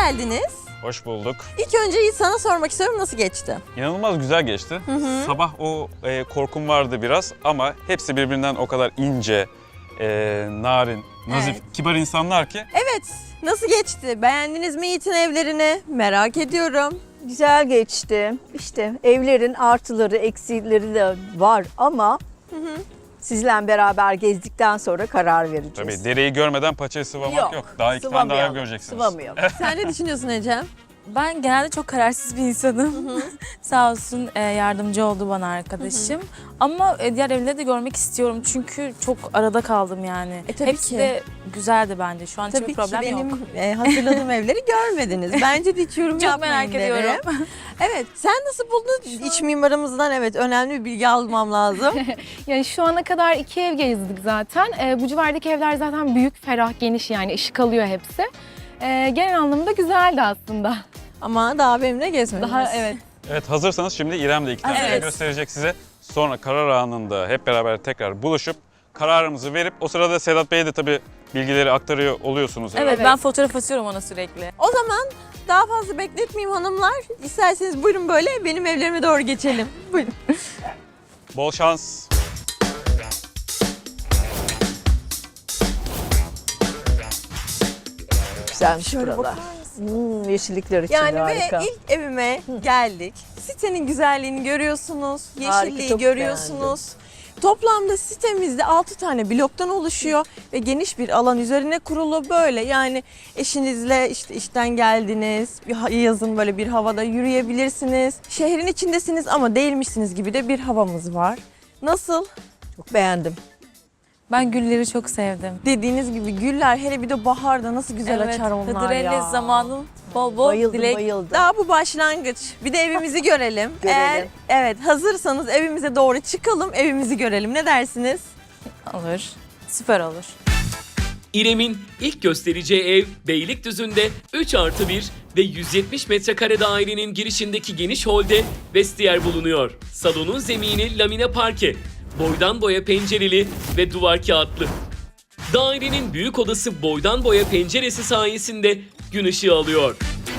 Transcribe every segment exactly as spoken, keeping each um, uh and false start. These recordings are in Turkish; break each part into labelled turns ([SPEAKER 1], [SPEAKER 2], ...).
[SPEAKER 1] geldiniz.
[SPEAKER 2] Hoş bulduk.
[SPEAKER 1] İlk önce sana sormak istiyorum, nasıl geçti?
[SPEAKER 2] İnanılmaz güzel geçti. Hı hı. Sabah o e, korkum vardı biraz ama hepsi birbirinden o kadar ince, e, narin, nazif,
[SPEAKER 1] Evet.
[SPEAKER 2] kibar insanlar ki.
[SPEAKER 1] Evet, nasıl geçti? Beğendiniz mi Yiğit'in evlerini? Merak ediyorum.
[SPEAKER 3] Güzel geçti. İşte evlerin artıları, eksileri de var ama
[SPEAKER 1] Hı hı.
[SPEAKER 3] sizle beraber gezdikten sonra karar vereceğiz.
[SPEAKER 2] Tabii dereyi görmeden paçayı sıvamak yok.
[SPEAKER 3] Yok,
[SPEAKER 2] Daha iki tane daha ev
[SPEAKER 3] sıvamayalım,
[SPEAKER 2] göreceksiniz.
[SPEAKER 3] Sıvamayalım.
[SPEAKER 1] Sen ne düşünüyorsun Ecem?
[SPEAKER 4] Ben genelde çok kararsız bir insanım. Sağ olsun e, yardımcı oldu bana arkadaşım. Ama e, diğer evleri de görmek istiyorum çünkü çok arada kaldım yani.
[SPEAKER 1] E, tabii
[SPEAKER 4] Hepsi
[SPEAKER 1] ki.
[SPEAKER 4] de güzeldi bence. Şu an
[SPEAKER 1] Tabii
[SPEAKER 4] hiçbir
[SPEAKER 1] ki
[SPEAKER 4] problem
[SPEAKER 1] benim
[SPEAKER 4] yok.
[SPEAKER 1] e, hazırladığım evleri görmediniz. Bence de hiç yorum
[SPEAKER 4] Çok
[SPEAKER 1] yapmayın
[SPEAKER 4] merak
[SPEAKER 1] derim.
[SPEAKER 4] ediyorum.
[SPEAKER 1] Evet, sen nasıl buldun? İç mimarımızdan evet önemli bir bilgi almam lazım.
[SPEAKER 5] Yani şu ana kadar iki ev gezdik zaten. Ee, bu civardaki evler zaten büyük, ferah, geniş, yani ışık alıyor hepsi. Ee, genel anlamda güzeldi aslında.
[SPEAKER 1] Ama daha benimle gezmediniz.
[SPEAKER 5] Daha evet.
[SPEAKER 2] Evet, hazırsanız şimdi İrem de iki tane
[SPEAKER 1] Evet.
[SPEAKER 2] ev gösterecek size. Sonra karar anında hep beraber tekrar buluşup kararımızı verip o sırada Sedat Bey'e de tabii bilgileri aktarıyor oluyorsunuz herhalde.
[SPEAKER 4] Evet, ben fotoğraf atıyorum ona sürekli.
[SPEAKER 1] O zaman daha fazla bekletmeyeyim hanımlar. İsterseniz buyurun böyle benim evlerime doğru geçelim. Buyurun.
[SPEAKER 2] Bol şans.
[SPEAKER 3] Güzelmiş
[SPEAKER 1] Şöyle
[SPEAKER 3] buralar.
[SPEAKER 1] bakar
[SPEAKER 3] Hmm, yeşillikler için
[SPEAKER 1] Yani
[SPEAKER 3] harika.
[SPEAKER 1] ve ilk evime geldik. Sitenin güzelliğini görüyorsunuz,
[SPEAKER 3] Harika,
[SPEAKER 1] yeşilliği
[SPEAKER 3] çok
[SPEAKER 1] görüyorsunuz. Toplamda sitemizde altı tane bloktan oluşuyor ve geniş bir alan üzerine kurulu böyle. Yani eşinizle işte işten geldiniz, bir ha- yazın böyle bir havada yürüyebilirsiniz. Şehrin içindesiniz ama değilmişsiniz gibi de bir havamız var. Nasıl?
[SPEAKER 3] Çok beğendim.
[SPEAKER 4] Ben gülleri çok sevdim.
[SPEAKER 1] Dediğiniz gibi güller hele bir de baharda nasıl güzel
[SPEAKER 4] evet,
[SPEAKER 1] açar onlar
[SPEAKER 4] Hıdrellez
[SPEAKER 1] ya.
[SPEAKER 4] zamanın bol bol
[SPEAKER 3] Bayıldım,
[SPEAKER 4] dilek.
[SPEAKER 3] bayıldım.
[SPEAKER 1] Daha bu başlangıç. Bir de evimizi görelim.
[SPEAKER 3] Görelim.
[SPEAKER 1] Eğer evet hazırsanız evimize doğru çıkalım, evimizi görelim. Ne dersiniz?
[SPEAKER 4] Olur. Süper olur.
[SPEAKER 6] İrem'in ilk göstereceği ev Beylikdüzü'nde üç artı bir ve yüz yetmiş metrekare dairenin girişindeki geniş holde vestiyer bulunuyor. Salonun zemini lamine parke, boydan boya pencereli ve duvar kağıtlı. Dairenin büyük odası boydan boya penceresi sayesinde gün ışığı alıyor.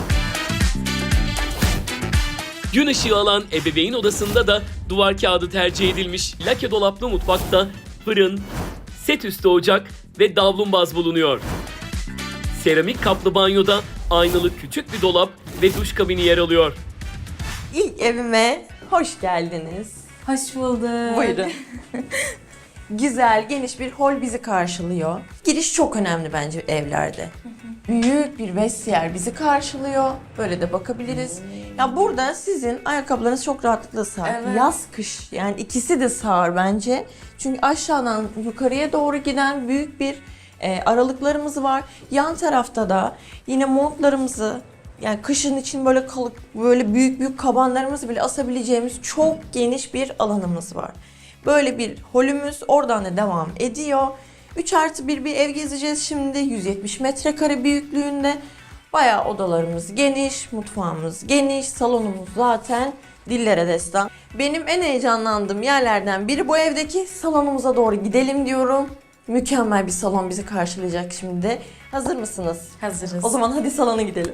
[SPEAKER 6] Gün ışığı alan ebeveyn odasında da duvar kağıdı tercih edilmiş lake dolaplı mutfakta fırın, set üstü ocak ve davlumbaz bulunuyor. Seramik kaplı banyoda aynalı küçük bir dolap ve duş kabini yer alıyor.
[SPEAKER 1] İlk evime hoş geldiniz.
[SPEAKER 4] Hoş bulduk.
[SPEAKER 1] Buyurun. Güzel, geniş bir hol bizi karşılıyor. Giriş çok önemli bence evlerde. Büyük bir vestiyer bizi karşılıyor. Böyle de bakabiliriz. Ya burada sizin ayakkabılarınız çok rahatlıkla sığar.
[SPEAKER 4] Evet.
[SPEAKER 1] Yaz, kış yani ikisi de sığar bence. Çünkü aşağıdan yukarıya doğru giden büyük bir e, aralıklarımız var. Yan tarafta da yine montlarımızı yani kışın için böyle kalıp böyle büyük büyük kabanlarımızı bile asabileceğimiz çok geniş bir alanımız var. Böyle bir holümüz oradan da devam ediyor. üç artı bir bir ev gezeceğiz şimdi. yüz yetmiş metrekare büyüklüğünde. Bayağı odalarımız geniş, mutfağımız geniş, salonumuz zaten dillere destan. Benim en heyecanlandığım yerlerden biri bu evdeki salonumuza doğru gidelim diyorum. Mükemmel bir salon bizi karşılayacak şimdi. Hazır mısınız?
[SPEAKER 4] Hazırız.
[SPEAKER 1] O zaman hadi salona gidelim.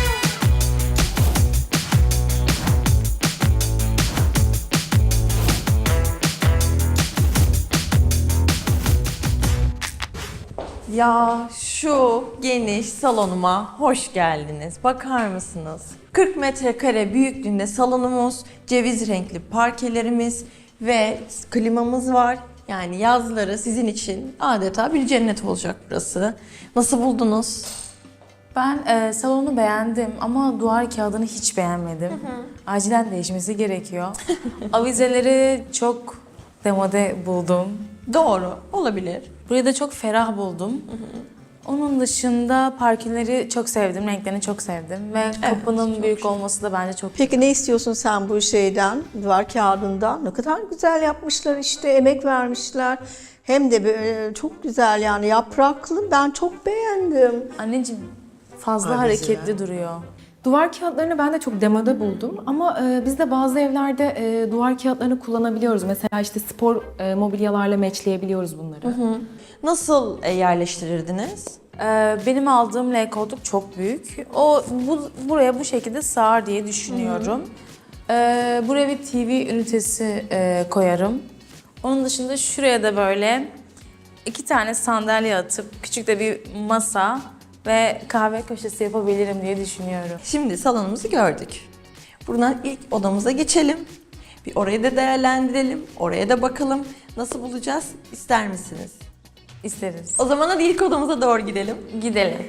[SPEAKER 1] Ya şu geniş salonuma hoş geldiniz. Bakar mısınız? kırk metrekare büyüklüğünde salonumuz, ceviz renkli parkelerimiz ve klimamız var. Yani yazları sizin için adeta bir cennet olacak burası. Nasıl buldunuz?
[SPEAKER 4] Ben e, salonu beğendim ama duvar kağıdını hiç beğenmedim. Acilen değişmesi gerekiyor. Avizeleri çok demode buldum.
[SPEAKER 1] Doğru, olabilir.
[SPEAKER 4] Burayı da çok ferah buldum. Onun dışında parkeleri çok sevdim, renklerini çok sevdim ve kapının büyük olması da bence çok.
[SPEAKER 3] Peki ne istiyorsun sen bu şeyden, duvar kağıdından? Ne kadar güzel yapmışlar işte, emek vermişler. Hem de böyle çok güzel yani yapraklı. Ben çok beğendim.
[SPEAKER 4] Anneciğim fazla
[SPEAKER 3] Avizeler.
[SPEAKER 4] hareketli duruyor.
[SPEAKER 5] Duvar kağıtlarını ben de çok demode buldum ama e, biz de bazı evlerde e, duvar kağıtlarını kullanabiliyoruz. Mesela işte spor e, mobilyalarla matchleyebiliyoruz bunları.
[SPEAKER 1] Nasıl e, yerleştirirdiniz?
[SPEAKER 4] Ee, benim aldığım L koltuk çok büyük. O bu, buraya bu şekilde sığar diye düşünüyorum. Ee, buraya bir T V ünitesi e, koyarım. Onun dışında şuraya da böyle iki tane sandalye atıp küçük de bir masa ve kahve köşesi yapabilirim diye düşünüyorum.
[SPEAKER 1] Şimdi salonumuzu gördük. Buradan ilk odamıza geçelim. Bir orayı da değerlendirelim. Oraya da bakalım. Nasıl bulacağız? İster misiniz?
[SPEAKER 4] İsteriz.
[SPEAKER 1] O zaman hadi ilk odamıza doğru gidelim.
[SPEAKER 4] Gidelim.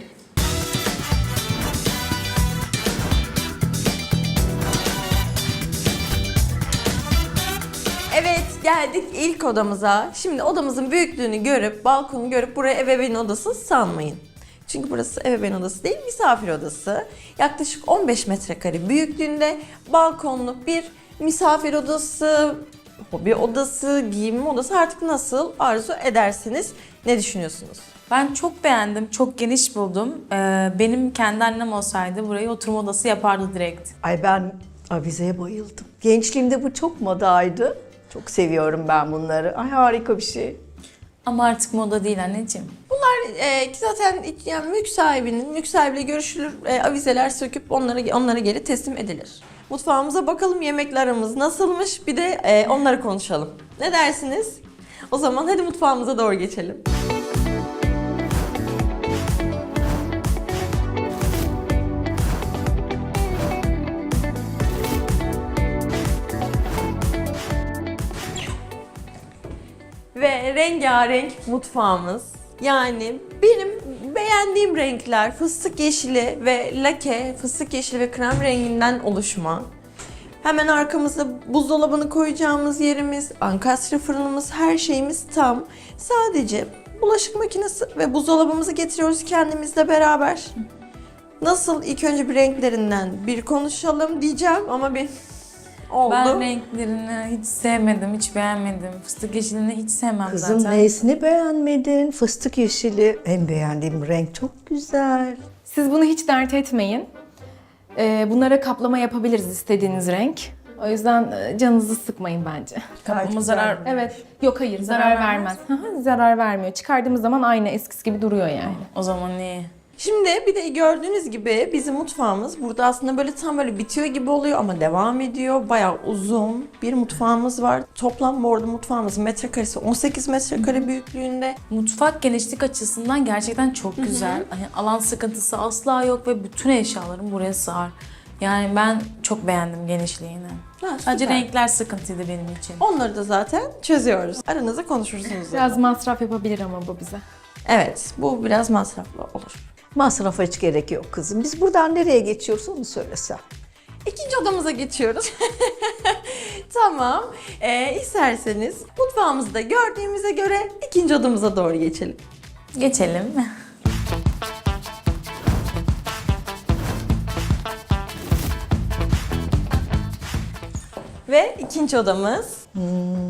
[SPEAKER 1] Evet, geldik ilk odamıza. Şimdi odamızın büyüklüğünü görüp, balkonu görüp buraya ebeveyn odası sanmayın. Çünkü burası ebeveyn odası değil, misafir odası. Yaklaşık on beş metrekare büyüklüğünde balkonlu bir misafir odası, hobi odası, giyinme odası, artık nasıl arzu edersiniz. Ne düşünüyorsunuz?
[SPEAKER 4] Ben çok beğendim, çok geniş buldum. Ee, benim kendi annem olsaydı burayı oturma odası yapardı direkt.
[SPEAKER 3] Ay ben avizeye bayıldım. Gençliğimde bu çok modaydı. Çok seviyorum ben bunları. Ay harika bir şey.
[SPEAKER 4] Ama artık moda değil anneciğim.
[SPEAKER 1] Bunlar e, zaten yani mülk sahibinin, mülk sahibiyle görüşülür, e, avizeler söküp onlara onlara geri teslim edilir. Mutfağımıza bakalım, yemeklerimiz nasılmış, bir de e, onları konuşalım. Ne dersiniz? O zaman hadi mutfağımıza doğru geçelim. Ve rengarenk mutfağımız. Yani benim beğendiğim renkler fıstık yeşili ve lake, fıstık yeşili ve krem renginden oluşma. Hemen arkamızda buzdolabını koyacağımız yerimiz, ankastre fırınımız, her şeyimiz tam. Sadece bulaşık makinesi ve buzdolabımızı getiriyoruz kendimizle beraber. Nasıl, ilk önce bir renklerinden bir konuşalım diyeceğim ama bir oldu.
[SPEAKER 4] Ben renklerini hiç sevmedim, hiç beğenmedim. Fıstık yeşilini hiç sevmem
[SPEAKER 3] Kızım
[SPEAKER 4] zaten.
[SPEAKER 3] nesini beğenmedin? Fıstık yeşili en beğendiğim renk, çok güzel.
[SPEAKER 5] Siz bunu hiç dert etmeyin. Ee, bunlara kaplama yapabiliriz istediğiniz renk. O yüzden e, canınızı sıkmayın bence.
[SPEAKER 4] Kapıma zarar...
[SPEAKER 5] Evet. Yok hayır, zarar,
[SPEAKER 4] Zarar
[SPEAKER 5] vermez. Hı hı, zarar vermiyor. Çıkardığımız zaman aynı eskisi gibi duruyor yani.
[SPEAKER 4] O zaman iyi.
[SPEAKER 1] Şimdi bir de gördüğünüz gibi bizim mutfağımız burada aslında böyle tam böyle bitiyor gibi oluyor ama devam ediyor. Bayağı uzun bir mutfağımız var. Toplam bu arada mutfağımızın metrekaresi on sekiz metrekare büyüklüğünde.
[SPEAKER 4] Mutfak genişlik açısından gerçekten çok güzel. Hani alan sıkıntısı asla yok ve bütün eşyalarım buraya sığar. Yani ben çok beğendim genişliğini.
[SPEAKER 1] Ha,
[SPEAKER 4] Sadece
[SPEAKER 1] süper.
[SPEAKER 4] renkler sıkıntıydı benim için.
[SPEAKER 1] Onları da zaten çözüyoruz. Aranızda konuşursunuz.
[SPEAKER 5] Biraz masraf yapabilir ama bu bize.
[SPEAKER 1] Evet, bu biraz masraflı olur.
[SPEAKER 3] Masrafa hiç gerek yok kızım. Biz buradan nereye geçiyoruz onu söylesen.
[SPEAKER 1] İkinci odamıza geçiyoruz. Tamam. Ee, isterseniz mutfağımızı da gördüğümüze göre ikinci odamıza doğru geçelim.
[SPEAKER 4] Geçelim.
[SPEAKER 1] Ve ikinci odamız. Hmm.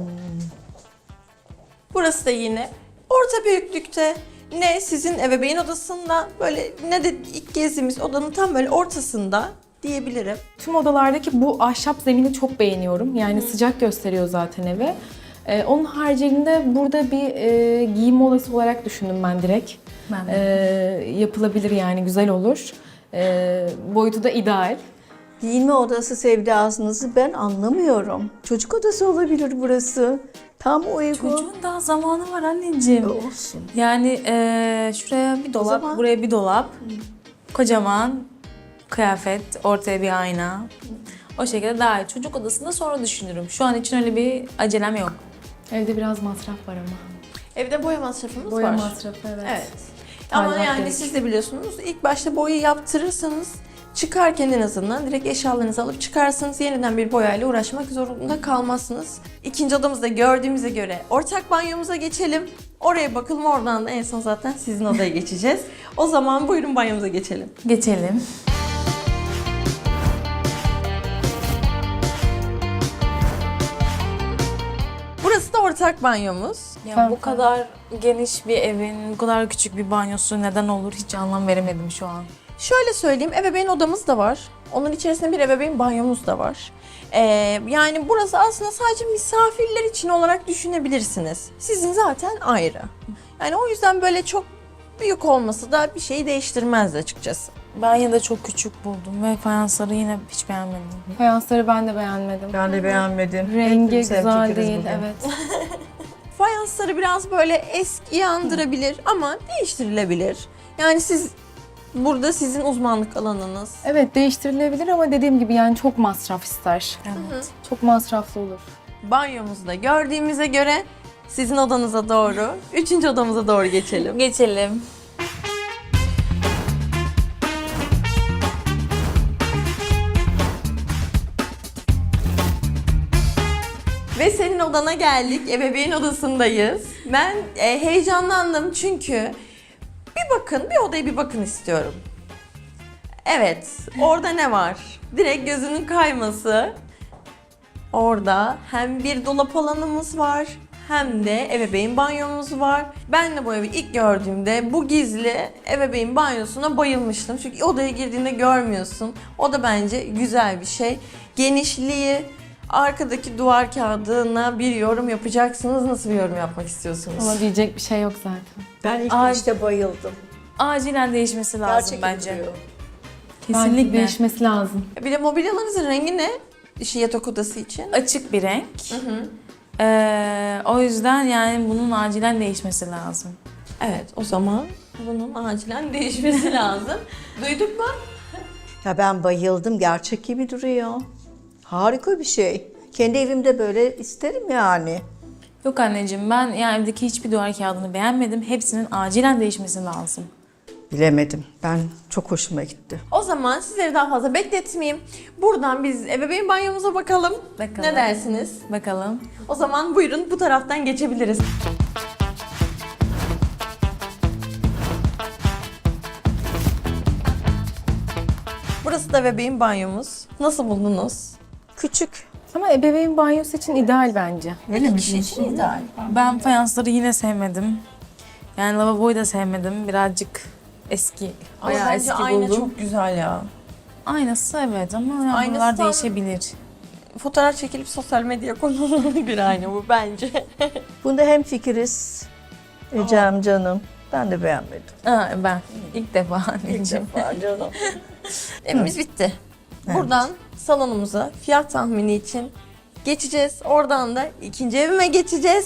[SPEAKER 1] Burası da yine orta büyüklükte. Ne sizin ebeveyn odasında böyle ne de ilk gezdiğimiz odanın tam böyle ortasında diyebilirim.
[SPEAKER 5] Tüm odalardaki bu ahşap zemini çok beğeniyorum. Yani sıcak gösteriyor zaten evi. Ee, onun haricinde burada bir e, giyinme odası olarak düşündüm ben direkt.
[SPEAKER 4] Ben de.
[SPEAKER 5] Ee, yapılabilir yani, güzel olur. Ee, boyutu da ideal.
[SPEAKER 3] Giyinme odası sevdasınızı ben anlamıyorum. Çocuk odası olabilir burası. Tam uygun.
[SPEAKER 4] Çocuğun daha zamanı var anneciğim.
[SPEAKER 3] Olsun.
[SPEAKER 4] Yani eee, şuraya bir dolap,
[SPEAKER 3] zaman-
[SPEAKER 4] buraya bir dolap. Kocaman kıyafet, ortaya bir ayna. O şekilde daha iyi. Çocuk odasında sonra düşünürüm. Şu an için öyle bir acelem yok.
[SPEAKER 5] Evde biraz masraf var ama.
[SPEAKER 1] Evde boya masrafımız
[SPEAKER 5] Boya
[SPEAKER 1] var.
[SPEAKER 5] masrafı, evet.
[SPEAKER 1] Evet. Ama
[SPEAKER 5] Tadilat
[SPEAKER 1] yani
[SPEAKER 5] gerek.
[SPEAKER 1] siz de biliyorsunuz, ilk başta boyayı yaptırırsanız çıkarken en azından direkt eşyalarınızı alıp çıkarsınız. Yeniden bir boyayla uğraşmak zorunda kalmazsınız. İkinci odamızda gördüğümüze göre ortak banyomuza geçelim. Oraya bakalım, oradan da en son zaten sizin odaya geçeceğiz. O zaman buyurun banyomuza geçelim.
[SPEAKER 4] Geçelim.
[SPEAKER 1] Burası da ortak banyomuz.
[SPEAKER 4] Ya bu kadar geniş bir evin, bu kadar küçük bir banyosu neden olur hiç anlam veremedim şu an.
[SPEAKER 1] Şöyle söyleyeyim, ebeveyn odamız da var. Onun içerisinde bir ebeveyn banyomuz da var. Ee, yani burası aslında sadece misafirler için olarak düşünebilirsiniz. Sizin zaten ayrı. Yani o yüzden böyle çok büyük olması da bir şeyi değiştirmezdi açıkçası.
[SPEAKER 4] Ben yine de çok küçük buldum ve fayansları yine hiç beğenmedim.
[SPEAKER 5] Fayansları ben de beğenmedim.
[SPEAKER 3] Ben de beğenmedim.
[SPEAKER 5] Rengi
[SPEAKER 3] Hepimiz
[SPEAKER 5] güzel
[SPEAKER 3] hemfikiriz
[SPEAKER 5] değil,
[SPEAKER 3] bugün.
[SPEAKER 5] evet.
[SPEAKER 1] Fayansları biraz böyle eskiyi andırabilir ama değiştirilebilir. Yani siz burada sizin uzmanlık alanınız.
[SPEAKER 5] Evet, değiştirilebilir ama dediğim gibi yani çok masraf ister.
[SPEAKER 4] Evet.
[SPEAKER 5] Çok masraflı olur.
[SPEAKER 1] Banyomuzda gördüğümüze göre sizin odanıza doğru, üçüncü odamıza doğru geçelim.
[SPEAKER 4] Geçelim.
[SPEAKER 1] Ve senin odana geldik. Ebeveyn odasındayız. Ben e, heyecanlandım çünkü bir bakın, bir odaya bir bakın istiyorum. Evet, orada ne var? Direkt gözünün kayması. Orada hem bir dolap alanımız var hem de ebeveyn banyomuz var. Ben de bu evi ilk gördüğümde bu gizli ebeveyn banyosuna bayılmıştım. Çünkü odaya girdiğinde görmüyorsun. O da bence güzel bir şey. Genişliği, arkadaki duvar kağıdına bir yorum yapacaksınız. Nasıl bir yorum yapmak istiyorsunuz?
[SPEAKER 5] Ama diyecek bir şey yok zaten.
[SPEAKER 3] Ben ilk
[SPEAKER 4] Ay.
[SPEAKER 3] işte bayıldım.
[SPEAKER 4] Acilen değişmesi lazım
[SPEAKER 3] Gerçek
[SPEAKER 4] bence.
[SPEAKER 3] duruyor.
[SPEAKER 5] Bence
[SPEAKER 4] Kesinlikle.
[SPEAKER 5] değişmesi lazım.
[SPEAKER 1] Bir de mobilyalarınızın rengi ne? İşi yatak odası için.
[SPEAKER 4] Açık bir renk. Ee, o yüzden yani bunun acilen değişmesi lazım.
[SPEAKER 1] Evet, o zaman bunun acilen değişmesi lazım. Duyduk mu?
[SPEAKER 3] Ya ben bayıldım. Gerçek gibi duruyor. Harika bir şey. Kendi evimde böyle isterim yani.
[SPEAKER 4] Yok anneciğim, ben yani evdeki hiçbir duvar kağıdını beğenmedim. Hepsinin acilen değişmesi lazım.
[SPEAKER 3] Bilemedim. Ben çok hoşuma gitti.
[SPEAKER 1] O zaman sizleri daha fazla bekletmeyeyim. Buradan biz ebeveyn banyomuza bakalım.
[SPEAKER 4] Bakalım.
[SPEAKER 1] Ne dersiniz?
[SPEAKER 4] Bakalım.
[SPEAKER 1] O zaman buyurun bu taraftan geçebiliriz. Burası da ebeveyn banyomuz. Nasıl buldunuz?
[SPEAKER 3] Küçük.
[SPEAKER 5] Ama ebeveyn banyosu için ideal bence.
[SPEAKER 3] Öyle mi?
[SPEAKER 1] Kişi için ideal.
[SPEAKER 4] Ben fayansları yine sevmedim. Yani lavaboyu da sevmedim. Birazcık eski,
[SPEAKER 1] Ama
[SPEAKER 4] bayağı
[SPEAKER 1] bence
[SPEAKER 4] eski
[SPEAKER 1] ayna
[SPEAKER 4] buldum.
[SPEAKER 1] çok güzel ya.
[SPEAKER 4] Aynası evet ama yani
[SPEAKER 1] Aynası
[SPEAKER 4] bunlar
[SPEAKER 1] tam-
[SPEAKER 4] değişebilir.
[SPEAKER 1] Fotoğraf çekilip sosyal medyaya konulur bir ayna bu bence.
[SPEAKER 3] Bunda hem fikiriz. Ecem canım. Ben de beğenmedim.
[SPEAKER 4] Ha, ben ilk defa anneciğim.
[SPEAKER 3] canım.
[SPEAKER 1] Evimiz bitti. Buradan salonumuza fiyat tahmini için geçeceğiz. Oradan da ikinci evime geçeceğiz.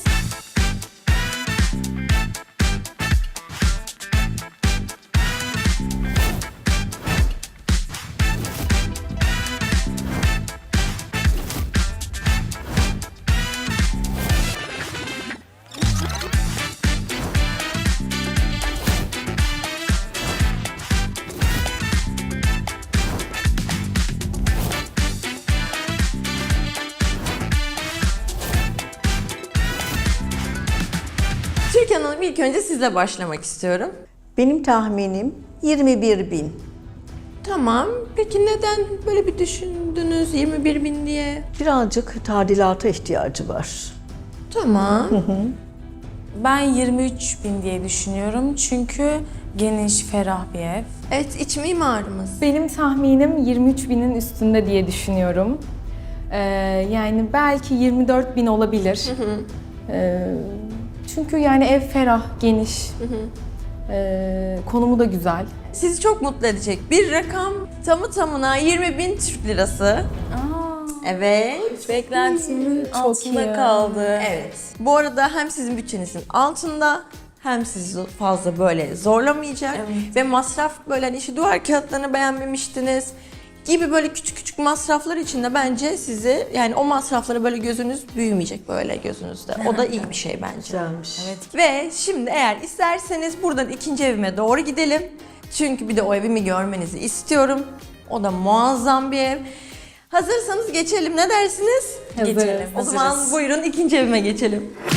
[SPEAKER 1] Türkan Hanım, ilk önce sizle başlamak istiyorum.
[SPEAKER 3] Benim tahminim yirmi bir bin.
[SPEAKER 1] Tamam. Peki neden böyle bir düşündünüz yirmi bir bin diye?
[SPEAKER 3] Birazcık tadilata ihtiyacı var.
[SPEAKER 1] Tamam.
[SPEAKER 4] Ben yirmi üç bin diye düşünüyorum çünkü geniş, ferah bir ev.
[SPEAKER 1] Evet, iç mimarımız.
[SPEAKER 5] Benim tahminim yirmi üç binin üstünde diye düşünüyorum. Ee, yani belki yirmi dört bin olabilir. Ee, çünkü yani ev ferah, geniş. Ee, konumu da güzel.
[SPEAKER 1] Sizi çok mutlu edecek bir rakam. Tamı tamına yirmi bin Türk lirası.
[SPEAKER 4] Aa,
[SPEAKER 1] Evet.
[SPEAKER 4] beklentimin altında
[SPEAKER 5] iyi.
[SPEAKER 4] kaldı.
[SPEAKER 1] Evet. Bu arada hem sizin bütçenizin altında hem sizi fazla böyle zorlamayacak
[SPEAKER 4] Evet.
[SPEAKER 1] ve masraf böyle hani işi duvar kağıtlarını beğenmemiştiniz gibi böyle küçük küçük masraflar içinde bence sizi yani o masraflara böyle gözünüz büyümeyecek böyle gözünüzde. O da iyi bir şey bence.
[SPEAKER 3] Güzelmiş.
[SPEAKER 4] Evet.
[SPEAKER 1] Ve şimdi eğer isterseniz buradan ikinci evime doğru gidelim. Çünkü bir de o evimi görmenizi istiyorum. O da muazzam bir ev. Hazırsanız geçelim, ne dersiniz?
[SPEAKER 5] Hazırız.
[SPEAKER 4] Geçelim.
[SPEAKER 1] O zaman buyurun ikinci evime geçelim.